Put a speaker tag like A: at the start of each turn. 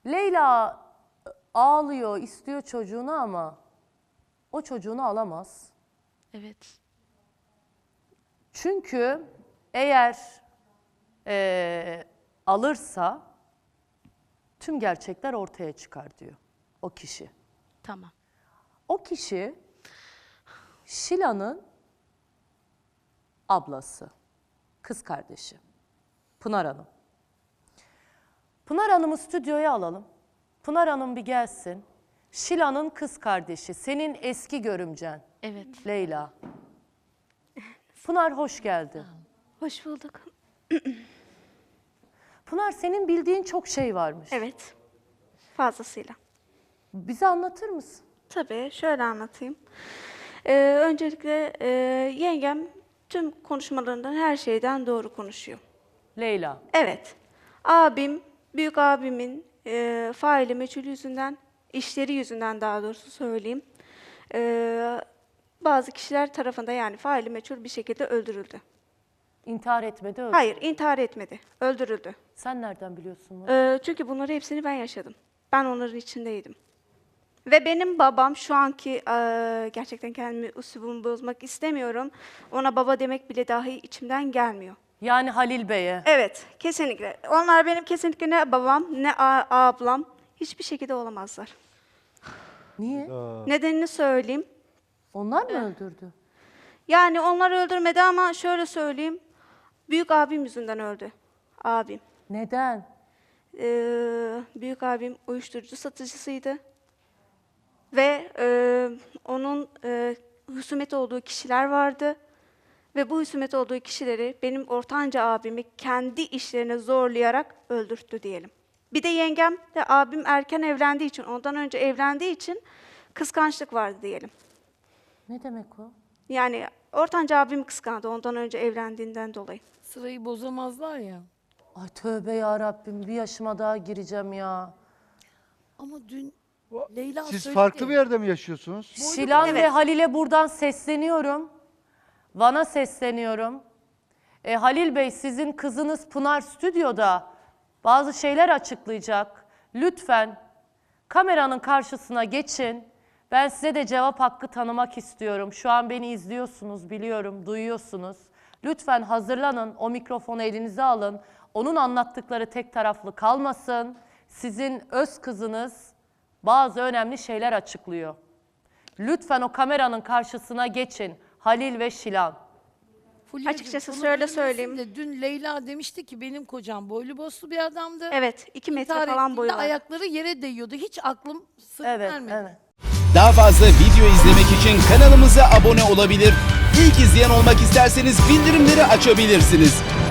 A: Leyla ağlıyor, istiyor çocuğunu ama o çocuğunu alamaz.
B: Evet.
A: Çünkü eğer alırsa tüm gerçekler ortaya çıkar diyor o kişi.
B: Tamam.
A: O kişi Şila'nın ablası, kız kardeşi Pınar Hanım. Pınar Hanım'ı stüdyoya alalım. Pınar Hanım bir gelsin. Şila'nın kız kardeşi, senin eski görümcen.
B: Evet.
A: Leyla. Pınar hoş geldin.
B: Hoş bulduk.
A: Pınar, senin bildiğin çok şey varmış.
B: Evet. Fazlasıyla.
A: Bize anlatır mısın?
B: Tabii şöyle anlatayım. Öncelikle yengem tüm konuşmalarından her şeyden doğru konuşuyor.
A: Leyla.
B: Evet. Abim, büyük abimin faili meçhul yüzünden, işleri yüzünden daha doğrusu söyleyeyim. Bazı kişiler tarafında yani faili meçhul bir şekilde öldürüldü.
A: İntihar etmedi, öldü.
B: Hayır, intihar etmedi. Öldürüldü.
A: Sen nereden biliyorsun bunu?
B: Çünkü bunları hepsini ben yaşadım. Ben onların içindeydim. Ve benim babam şu anki gerçekten kendimi üslubumu bozmak istemiyorum. Ona baba demek bile dahi içimden gelmiyor.
A: Yani Halil Bey'e.
B: Evet, kesinlikle. Onlar benim kesinlikle ne babam ne ablam hiçbir şekilde olamazlar.
A: Niye?
B: Nedenini söyleyeyim.
A: Onlar mı öldürdü?
B: Yani onlar öldürmedi ama şöyle söyleyeyim. Büyük abim yüzünden öldü. Abim.
A: Neden?
B: Büyük abim uyuşturucu satıcısıydı. Ve onun husumet olduğu kişiler vardı. Ve bu husumet olduğu kişileri benim ortanca abimi kendi işlerine zorlayarak öldürttü diyelim. Bir de yengem de abim erken evlendiği için, ondan önce evlendiği için kıskançlık vardı diyelim.
A: Ne demek o?
B: Yani ortanca abim kıskandı ondan önce evlendiğinden dolayı.
C: Sırayı bozamazlar ya.
A: Ay tövbe ya Rabbim, bir yaşıma daha gireceğim ya.
C: Ama dün Leyla
D: Siz
C: söyledi.
D: farklı bir yerde mi yaşıyorsunuz?
A: Şilan ve
B: Evet.
A: Halil'e buradan sesleniyorum. Van'a sesleniyorum. Halil Bey, sizin kızınız Pınar stüdyoda bazı şeyler açıklayacak. Lütfen kameranın karşısına geçin. Ben size de cevap hakkı tanımak istiyorum. Şu an beni izliyorsunuz, biliyorum, duyuyorsunuz. Lütfen hazırlanın, o mikrofonu elinize alın. Onun anlattıkları tek taraflı kalmasın. Sizin öz kızınız bazı önemli şeyler açıklıyor. Lütfen o kameranın karşısına geçin Halil ve Şilan.
C: Fulya'cığım,
B: Açıkçası
C: bunu
B: şöyle
C: bilmesin
B: söyleyeyim.
C: de dün Leyla demişti ki benim kocam boylu boslu bir adamdı.
B: Evet, 2 metre
C: İntihar
B: falan boyu
C: ettiğinde
B: var.
C: ayakları yere değiyordu. Hiç aklım sır
A: Evet,
C: vermedi.
A: evet.
E: Daha fazla video izlemek için kanalımıza abone olabilir. İlk izleyen olmak isterseniz bildirimleri açabilirsiniz.